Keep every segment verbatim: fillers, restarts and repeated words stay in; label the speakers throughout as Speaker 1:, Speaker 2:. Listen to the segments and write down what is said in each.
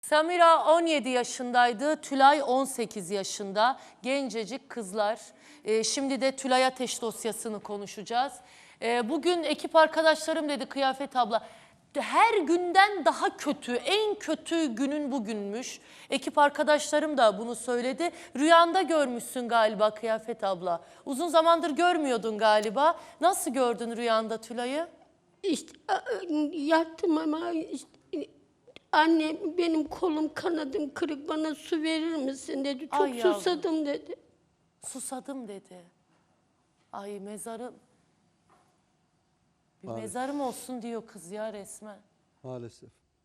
Speaker 1: Samira on yedi yaşındaydı, Tülay on sekiz yaşında. Gencecik kızlar. Ee, şimdi de Tülay Ateş dosyasını konuşacağız. Ee, bugün ekip arkadaşlarım dedi Kıyafet abla. Her günden daha kötü, en kötü günün bugünmüş. Ekip arkadaşlarım da bunu söyledi. Rüyanda görmüşsün galiba Kıyafet abla. Uzun zamandır görmüyordun galiba. Nasıl gördün rüyanda Tülay'ı?
Speaker 2: İşte yattım ama işte, anne benim kolum kanadım kırık, bana su verir misin dedi. Çok
Speaker 1: Ay yavrum.
Speaker 2: susadım dedi.
Speaker 1: Susadım dedi. Ay mezarım. Bir
Speaker 3: Maalesef.
Speaker 1: mezarım olsun diyor kız ya resmen.
Speaker 3: Maalesef.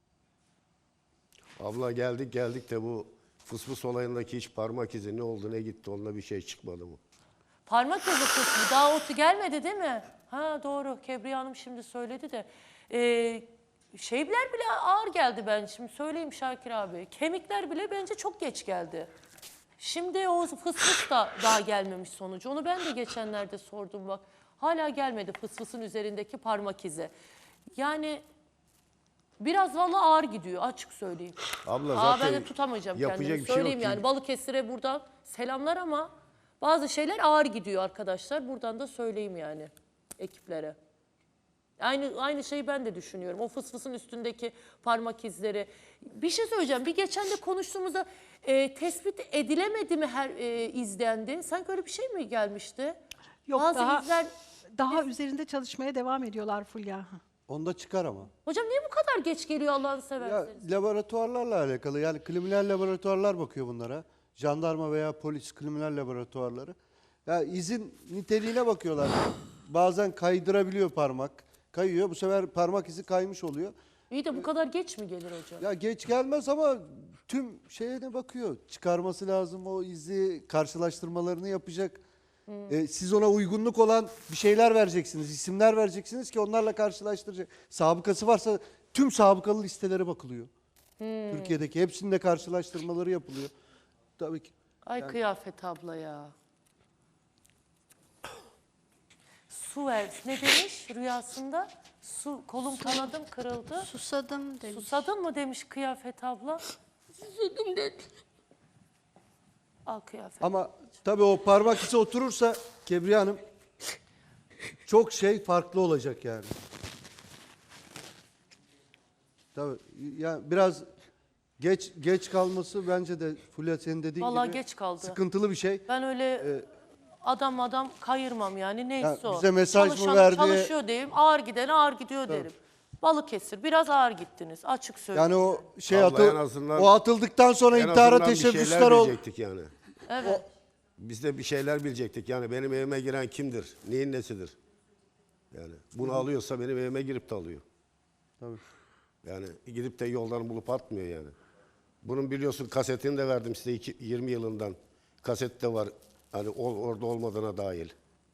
Speaker 4: Abla geldik geldik de bu fısfıs olayındaki hiç parmak izi ne oldu ne gitti, onunla bir şey çıkmadı mı?
Speaker 1: Parmak izi kısmı daha otu gelmedi değil mi? Ha doğru, Kebriye Hanım şimdi söyledi de. Ee, şeyler bile ağır geldi ben şimdi söyleyeyim Şakir abi. Kemikler bile bence çok geç geldi. Şimdi o fısfıs da daha gelmemiş sonucu. Onu ben de geçenlerde sordum bak. Hala gelmedi fısfısın üzerindeki parmak izi. Yani biraz vallahi ağır gidiyor açık söyleyeyim.
Speaker 4: Abla
Speaker 1: Aa,
Speaker 4: zaten
Speaker 1: ben de tutamayacağım
Speaker 4: yapacak
Speaker 1: kendimi.
Speaker 4: bir şey
Speaker 1: Söyleyeyim
Speaker 4: yok
Speaker 1: yani
Speaker 4: ki.
Speaker 1: Balıkesir'e buradan selamlar ama bazı şeyler ağır gidiyor arkadaşlar. Buradan da söyleyeyim yani ekiplere. Aynı aynı şeyi ben de düşünüyorum. O fısfısın üstündeki parmak izleri. Bir şey söyleyeceğim. Bir geçen de konuştuğumuzda e, tespit edilemedi mi her e, izlendi? Sanki öyle bir şey mi gelmişti?
Speaker 5: Yok,
Speaker 1: Bazı
Speaker 5: daha,
Speaker 1: izler...
Speaker 5: daha üzerinde çalışmaya devam ediyorlar Fulya.
Speaker 3: Onda çıkar ama.
Speaker 1: Hocam niye bu kadar geç geliyor Allah'ını
Speaker 3: Ya
Speaker 1: severseniz?
Speaker 3: laboratuvarlarla alakalı, yani kriminal laboratuvarlar bakıyor bunlara. Jandarma veya polis kriminal laboratuvarları. Ya izin niteliğine bakıyorlar. Bazen kaydırabiliyor parmak. Kayıyor. Bu sefer parmak izi kaymış oluyor.
Speaker 1: İyi de bu kadar geç mi gelir hocam?
Speaker 3: Ya geç gelmez ama tüm şeye de bakıyor. Çıkarması lazım o izi, karşılaştırmalarını yapacak. Ee, siz ona uygunluk olan bir şeyler vereceksiniz, isimler vereceksiniz ki onlarla karşılaştıracak. Sabıkası varsa tüm sabıkalı listelere bakılıyor. Türkiye'deki hepsinde karşılaştırmaları yapılıyor. Tabii ki.
Speaker 1: Ay Kıyafet abla ya. Su ver. Ne demiş rüyasında? Su, kolum kanadım kırıldı.
Speaker 2: Susadım demiş.
Speaker 1: Susadın mı demiş Kıyafet abla?
Speaker 2: Susadım dedi.
Speaker 1: Al Kıyafet.
Speaker 3: Ama tabii o parmak izi oturursa Kebriye Hanım çok şey farklı olacak yani. Tabii yani biraz geç geç kalması bence de Fulya senin dediğin
Speaker 1: Vallahi
Speaker 3: gibi
Speaker 1: geç kaldı.
Speaker 3: sıkıntılı bir şey.
Speaker 1: Ben öyle adam adam kayırmam yani neyse
Speaker 3: Ya
Speaker 1: o.
Speaker 3: bize mesaj mı
Speaker 1: Çalışan
Speaker 3: verdi?
Speaker 1: Çalışıyor diyeyim. Ağır giden ağır gidiyor derim. Balıkesir biraz ağır gittiniz açık söyleyeyim.
Speaker 3: Yani o şey
Speaker 4: Abla
Speaker 3: atıl,
Speaker 4: en azından-
Speaker 3: o atıldıktan sonra
Speaker 4: En
Speaker 3: intihara
Speaker 4: azından bir şeyler
Speaker 3: teşebbüsler oldu.
Speaker 4: bilecektik yani.
Speaker 1: Evet.
Speaker 4: Biz de bir şeyler bilecektik yani, benim evime giren kimdir, neyin nesidir? Yani bunu alıyorsa benim evime girip de alıyor.
Speaker 3: Tabii.
Speaker 4: Yani gidip de yoldan bulup atmıyor yani. Bunun biliyorsun kasetini de verdim size iki- yirmi yılından. Kaset de var hani o- orada olmadığına dahil.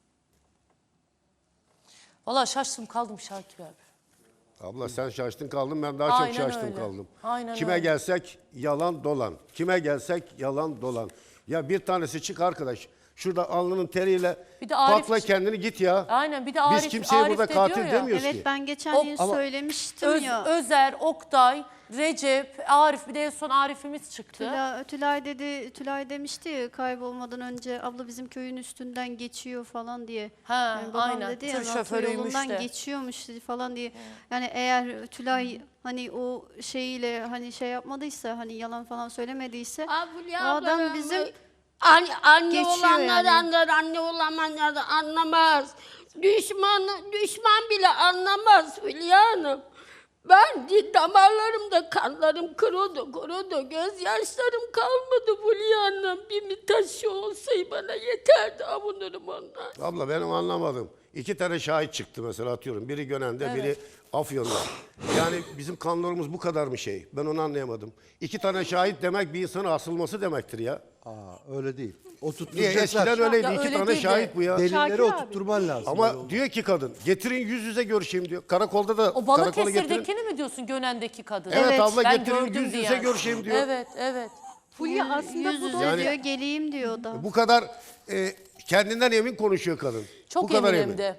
Speaker 1: Vallahi şaştım kaldım Şakir abi.
Speaker 4: Abla sen şaştın kaldın, ben daha
Speaker 1: Aynen
Speaker 4: çok şaştım
Speaker 1: öyle.
Speaker 4: kaldım.
Speaker 1: Aynen
Speaker 4: Kime
Speaker 1: öyle.
Speaker 4: gelsek yalan dolan. Kime gelsek yalan dolan. Ya bir tanesi çık arkadaş. Şurada alnının teriyle
Speaker 1: Bir de Arif
Speaker 4: pakla
Speaker 1: çık-
Speaker 4: kendini git ya.
Speaker 1: Aynen bir de
Speaker 4: Biz
Speaker 1: Arif,
Speaker 4: kimseye
Speaker 1: Arif
Speaker 4: burada
Speaker 1: de
Speaker 4: katil
Speaker 1: diyor ya,
Speaker 4: demiyoruz
Speaker 6: Evet
Speaker 4: ki.
Speaker 6: ben geçen
Speaker 1: O-
Speaker 6: gün
Speaker 3: ama-
Speaker 6: söylemiştim
Speaker 1: Öz,
Speaker 6: ya.
Speaker 1: Özer, Oktay, Recep, Arif bir de en son Arif'imiz çıktı.
Speaker 6: Tülay, Tülay dedi, Tülay demişti ya kaybolmadan önce abla bizim köyün üstünden geçiyor falan diye.
Speaker 1: Ha,
Speaker 6: Yani babam
Speaker 1: aynen.
Speaker 6: dedi ya
Speaker 1: Tır
Speaker 6: NATO
Speaker 1: şoförüymüş
Speaker 6: yolundan
Speaker 1: de.
Speaker 6: geçiyormuş dedi falan diye. Yani eğer Tülay hani o şeyiyle hani şey yapmadıysa hani yalan falan söylemediyse
Speaker 2: Abi,
Speaker 6: o adam bizim
Speaker 2: Anne, anne
Speaker 6: Geçiyor
Speaker 2: olanları
Speaker 6: yani.
Speaker 2: anlar, anne olamayanları anlamaz. Düşman, düşman bile anlamaz Hülya Hanım. Ben di- damarlarımda kanlarım kurudu, kurudu. Gözyaşlarım kalmadı Hülya Hanım. Bir mi taşı olsaydı bana yeterdi, avunurum ondan.
Speaker 4: Abla benim anlamadım. İki tane şahit çıktı mesela, atıyorum. Biri Gönen'de, biri Afyon'da. Yani bizim kanlarımız bu kadar mı şey? Ben onu anlayamadım. İki tane şahit demek bir insanın asılması demektir ya.
Speaker 3: Aa, öyle değil.
Speaker 4: Niye?
Speaker 3: Oturtturacaklar.
Speaker 4: Eskiden öyleydi.
Speaker 1: Ya
Speaker 4: İki
Speaker 1: öyle
Speaker 4: tane
Speaker 1: değil de-
Speaker 4: şahit bu ya.
Speaker 3: Delilleri
Speaker 5: Şakir abi.
Speaker 3: oturtturman lazım. Öyle
Speaker 4: Ama
Speaker 3: olmaz.
Speaker 4: diyor ki kadın, getirin yüz yüze görüşeyim diyor. Karakolda da
Speaker 1: O
Speaker 4: karakola getirin.
Speaker 1: Balıkesir'dekini mi diyorsun Gönen'deki kadın?
Speaker 4: Evet,
Speaker 6: Evet,
Speaker 4: abla
Speaker 1: ben
Speaker 4: getirin
Speaker 1: gördüm
Speaker 4: yüz yüze
Speaker 1: diyen.
Speaker 4: görüşeyim diyor.
Speaker 1: Evet, evet.
Speaker 5: Fulya aslında
Speaker 6: yüz
Speaker 5: bu
Speaker 6: yüze
Speaker 5: da
Speaker 4: Yani-
Speaker 6: diyor geleyim diyor o da.
Speaker 4: Bu kadar e, kendinden emin konuşuyor kadın.
Speaker 1: Çok
Speaker 4: bu kadar
Speaker 1: eminim
Speaker 4: emin.
Speaker 1: de.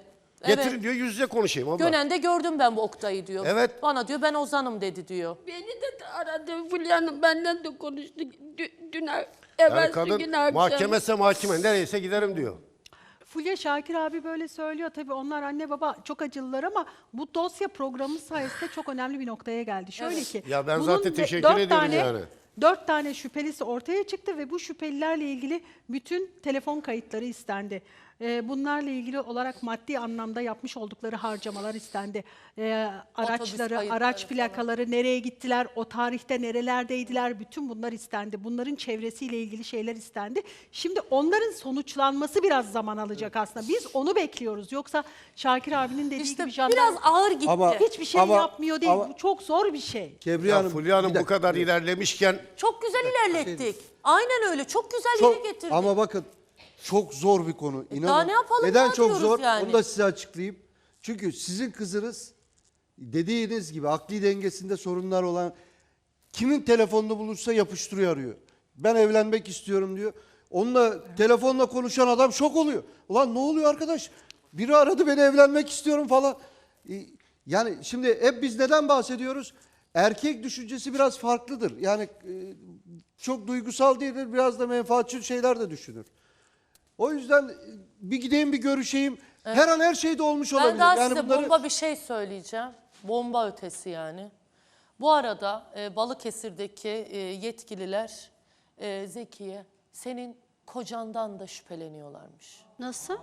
Speaker 4: Getirin
Speaker 1: Evet.
Speaker 4: diyor yüz yüze konuşayım abla.
Speaker 1: Gönen'de gördüm ben bu Oktay'ı diyor.
Speaker 4: Evet.
Speaker 1: Bana diyor ben Ozan'ım dedi diyor.
Speaker 2: Beni de aradı Fulya Hanım, benden de konuştu. Dün, dün
Speaker 4: Yani
Speaker 2: evvelsi
Speaker 4: kadın
Speaker 2: gün akşam.
Speaker 4: mahkemese mahkeme nereyse giderim diyor.
Speaker 5: Fulya Şakir abi böyle söylüyor. Tabii onlar anne baba çok acılılar ama bu dosya programı sayesinde çok önemli bir noktaya geldi. Şöyle ki.
Speaker 4: Ya ben
Speaker 5: bunun
Speaker 4: zaten
Speaker 5: de-
Speaker 4: teşekkür
Speaker 5: dört
Speaker 4: ediyorum
Speaker 5: tane,
Speaker 4: yani.
Speaker 5: Dört tane şüphelisi ortaya çıktı ve bu şüphelilerle ilgili bütün telefon kayıtları istendi. Ee, bunlarla ilgili olarak maddi anlamda yapmış oldukları harcamalar istendi. Ee, araçları,
Speaker 1: kayıtları
Speaker 5: araç plakaları, nereye gittiler, o tarihte nerelerdeydiler, bütün bunlar istendi. Bunların çevresiyle ilgili şeyler istendi. Şimdi onların sonuçlanması biraz zaman alacak aslında. Biz onu bekliyoruz. Yoksa Şakir abinin dediği
Speaker 1: İşte
Speaker 5: gibi jandarma
Speaker 1: biraz ağır gitti.
Speaker 3: Ama-
Speaker 5: hiçbir şey
Speaker 3: Ama-
Speaker 5: yapmıyor değil.
Speaker 3: ama-
Speaker 5: Bu çok zor bir şey.
Speaker 3: Kebriye
Speaker 4: Ya
Speaker 3: Hanım,
Speaker 4: Fulya Hanım
Speaker 3: bir
Speaker 4: bu
Speaker 3: dakika.
Speaker 4: kadar ilerlemişken
Speaker 1: Çok güzel ilerlettik. Aynen öyle. Çok güzel
Speaker 3: Çok-
Speaker 1: yere getirdik.
Speaker 3: ama bakın çok zor bir konu. İnanın.
Speaker 1: daha ne yapalım,
Speaker 3: Neden
Speaker 1: ne
Speaker 3: çok
Speaker 1: yapıyoruz
Speaker 3: zor?
Speaker 1: yani?
Speaker 3: Onu da size açıklayayım. Çünkü sizin kızınız dediğiniz gibi akli dengesinde sorunlar olan kimin telefonunu bulursa yapıştırıyor arıyor. Ben evlenmek istiyorum diyor. Onunla telefonla konuşan adam şok oluyor. Ulan ne oluyor arkadaş? Biri aradı beni evlenmek istiyorum falan. Ee, Yani şimdi hep biz neden bahsediyoruz? Erkek düşüncesi biraz farklıdır. Yani e, çok duygusal değildir. Biraz da menfaatçi şeyler de düşünür. O yüzden e, bir gideyim bir görüşeyim. Her an her şey de olmuş olabilir.
Speaker 1: Ben daha
Speaker 3: yani
Speaker 1: size
Speaker 3: bunları
Speaker 1: bomba bir şey söyleyeceğim. Bomba ötesi yani. Bu arada e, Balıkesir'deki e, yetkililer e, Zekiye senin kocandan da şüpheleniyorlarmış.
Speaker 6: Nasıl?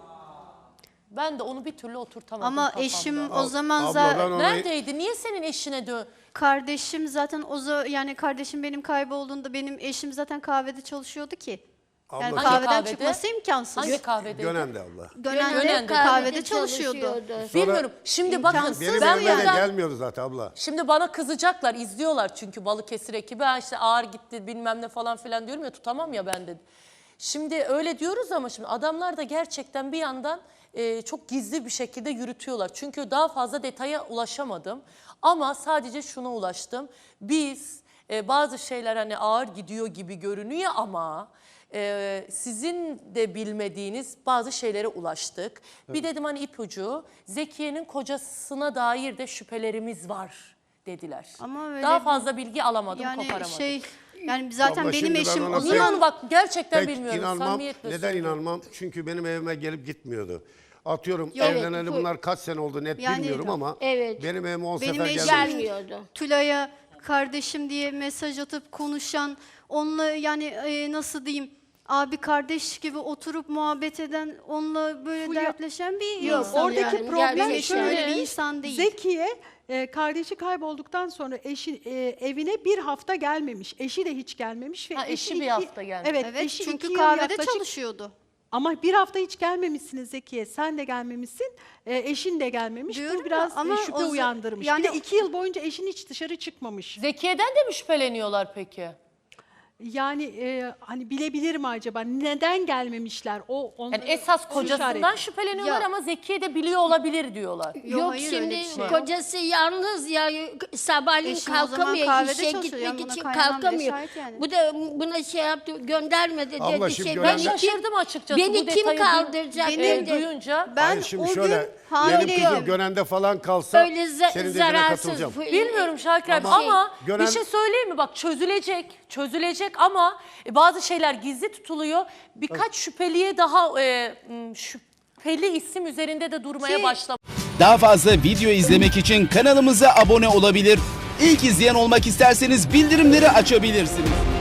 Speaker 1: Ben de onu bir türlü oturtamadım
Speaker 6: Ama
Speaker 1: kafamda.
Speaker 6: eşim o zaman
Speaker 4: abladan
Speaker 6: zaten
Speaker 4: ona-
Speaker 1: Neredeydi? Niye senin eşine dön?
Speaker 6: kardeşim zaten o za- yani kardeşim benim kaybolduğunda benim eşim zaten kahvede çalışıyordu ki. Yani
Speaker 4: Abla-
Speaker 1: Hangi
Speaker 6: kahveden
Speaker 1: kahvede?
Speaker 6: çıkması imkansız.
Speaker 1: Hangi kahvedeydi?
Speaker 4: Gönen'de abla.
Speaker 6: Gönen'de
Speaker 1: Gönen'de
Speaker 6: kahvede çalışıyordu.
Speaker 1: Bilmiyorum. Şimdi bakın
Speaker 6: İmkansız
Speaker 4: Benim
Speaker 1: ben
Speaker 6: bu
Speaker 4: evime de
Speaker 1: buradan-
Speaker 4: gelmiyordu zaten abla.
Speaker 1: Şimdi bana kızacaklar, izliyorlar çünkü Balıkesir ekibi. Ha işte ağır gitti bilmem ne falan filan diyorum ya, tutamam ya ben de. Şimdi öyle diyoruz ama şimdi adamlar da gerçekten bir yandan e, çok gizli bir şekilde yürütüyorlar. Çünkü daha fazla detaya ulaşamadım. Ama sadece şuna ulaştım. Biz e, bazı şeyler hani ağır gidiyor gibi görünüyor ama... Ee, sizin de bilmediğiniz bazı şeylere ulaştık. Bir dedim hani ipucu, Zekiye'nin kocasına dair de şüphelerimiz var dediler.
Speaker 6: Ama öyle
Speaker 1: Daha
Speaker 6: bir-
Speaker 1: fazla bilgi alamadım,
Speaker 6: Yani
Speaker 1: koparamadım.
Speaker 6: şey yani zaten
Speaker 4: Abla
Speaker 6: benim
Speaker 4: şimdi ben
Speaker 6: eşim
Speaker 4: ona
Speaker 6: o
Speaker 1: İnan
Speaker 6: zaman
Speaker 1: bak gerçekten
Speaker 4: Pek
Speaker 1: bilmiyorum.
Speaker 4: inanmam.
Speaker 1: Samimiyetle
Speaker 4: Neden
Speaker 1: söylüyorum.
Speaker 4: inanmam? Çünkü benim evime gelip gitmiyordu. Atıyorum
Speaker 6: Yok.
Speaker 4: evleneli
Speaker 2: Evet, bu-
Speaker 4: bunlar kaç sene oldu net
Speaker 6: Yani-
Speaker 4: bilmiyorum ama
Speaker 2: Evet.
Speaker 4: benim evime on
Speaker 6: Benim
Speaker 4: sefer
Speaker 6: eşim-
Speaker 4: gelmiş.
Speaker 2: Gelmiyordu.
Speaker 6: Tülay'a kardeşim diye mesaj atıp konuşan, onunla yani e, nasıl diyeyim, abi kardeş gibi oturup muhabbet eden, onunla böyle
Speaker 5: Fulya-
Speaker 6: dertleşen bir
Speaker 2: Yok,
Speaker 6: insan.
Speaker 5: Oradaki
Speaker 2: yani.
Speaker 5: problem
Speaker 6: Benim eşim
Speaker 5: şöyle.
Speaker 6: öyle bir insan değil.
Speaker 5: Zekiye e, kardeşi kaybolduktan sonra eşi e, evine bir hafta gelmemiş. Eşi de hiç gelmemiş. Ve
Speaker 1: Ha, eşi bir
Speaker 5: iki-
Speaker 1: hafta gelmemiş.
Speaker 5: Evet,
Speaker 6: Evet,
Speaker 5: eşi
Speaker 6: çünkü
Speaker 5: iki yıl
Speaker 6: kahvede
Speaker 5: yaklaşık-
Speaker 6: çalışıyordu.
Speaker 5: Ama bir hafta hiç gelmemişsiniz Zekiye. Sen de gelmemişsin. e, eşin de gelmemiş.
Speaker 6: Diyorum
Speaker 5: Bu
Speaker 6: ya,
Speaker 5: biraz
Speaker 6: ama
Speaker 5: e,
Speaker 6: o
Speaker 5: şüphe
Speaker 6: za-
Speaker 5: uyandırmış.
Speaker 6: yani-
Speaker 5: Bir de iki yıl boyunca eşin hiç dışarı çıkmamış.
Speaker 1: Zekiye'den de mi şüpheleniyorlar peki?
Speaker 5: Yani e, hani bilebilir mi acaba? Neden gelmemişler? O onları
Speaker 1: Yani esas
Speaker 5: soru
Speaker 1: kocasından
Speaker 5: işareti.
Speaker 1: şüpheleniyorlar
Speaker 6: Ya-
Speaker 1: ama Zekiye de biliyor olabilir diyorlar.
Speaker 6: Yok,
Speaker 2: Yok
Speaker 6: hayır,
Speaker 2: şimdi
Speaker 6: öyle bir şey yok.
Speaker 2: kocası yalnız ya, sabahleyin
Speaker 6: Eşim o zaman
Speaker 2: kalkamıyor,
Speaker 6: kahvede
Speaker 2: işe
Speaker 6: çalışıyor. Yani
Speaker 2: gitmek
Speaker 6: buna
Speaker 2: için
Speaker 6: kaynanam bile
Speaker 2: kalkamıyor.
Speaker 6: şahit yani.
Speaker 2: Bu da buna şey yaptı, gönderme dedi.
Speaker 4: Abla
Speaker 2: dedi
Speaker 4: şimdi
Speaker 2: şey.
Speaker 4: gören-
Speaker 1: Ben
Speaker 4: Ben-
Speaker 1: şaşırdım açıkçası
Speaker 2: Beni
Speaker 1: bu
Speaker 2: kim
Speaker 1: detayı
Speaker 2: kaldıracak
Speaker 1: duy-
Speaker 2: dedi.
Speaker 1: e, duyunca.
Speaker 6: Ben
Speaker 4: Hayır şimdi
Speaker 6: o
Speaker 4: şöyle
Speaker 6: gün
Speaker 4: benim
Speaker 6: hamileyim.
Speaker 4: kızım Gönen'de falan kalsa
Speaker 2: Öyle za-
Speaker 4: senin dediğine
Speaker 2: zararsız.
Speaker 4: katılacağım.
Speaker 1: Bilmiyorum Şakir abi
Speaker 4: Ama
Speaker 1: ama
Speaker 4: gören-
Speaker 1: bir şey söyleyeyim mi? Bak çözülecek, çözülecek ama e, bazı şeyler gizli tutuluyor. Birkaç şüpheliye daha e, m, şüpheli isim üzerinde de durmaya
Speaker 6: Ki-
Speaker 1: başladı.
Speaker 7: Daha fazla video izlemek için kanalımıza abone olabilir. İlk izleyen olmak isterseniz bildirimleri açabilirsiniz.